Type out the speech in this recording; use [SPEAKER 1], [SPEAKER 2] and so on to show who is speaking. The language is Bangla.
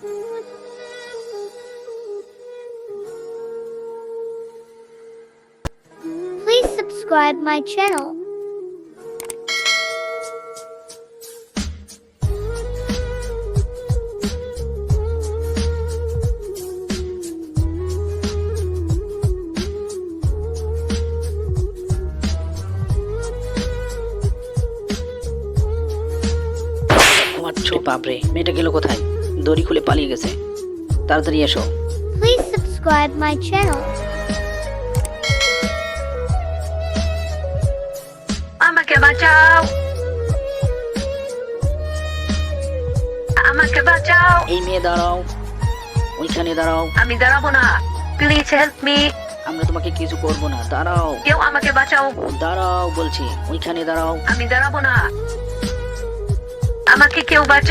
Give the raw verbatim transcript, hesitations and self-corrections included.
[SPEAKER 1] Please subscribe my channel.
[SPEAKER 2] আচ্ছা বাপরে, মেয়েটা গেল কোথায়? দড়ি খুলে পালিয়ে গেছে। তাড়াতাড়ি এসো।
[SPEAKER 1] Please subscribe my channel.
[SPEAKER 3] আমাকে বাঁচাও, আমাকে বাঁচাও।
[SPEAKER 2] এই মেয়ে দাঁড়াও, ওইখানে দাঁড়াও।
[SPEAKER 3] আমি দাঁড়াবো না, প্লিজ হেল্প মি।
[SPEAKER 2] আমরা তোমাকে কিছু করবো না, দাঁড়াও।
[SPEAKER 3] কেউ আমাকে বাঁচাও।
[SPEAKER 2] দাঁড়াও বলছি, ওইখানে দাঁড়াও।
[SPEAKER 3] আমি দাঁড়াবো না, আমাকে কেউ বাঁচাও।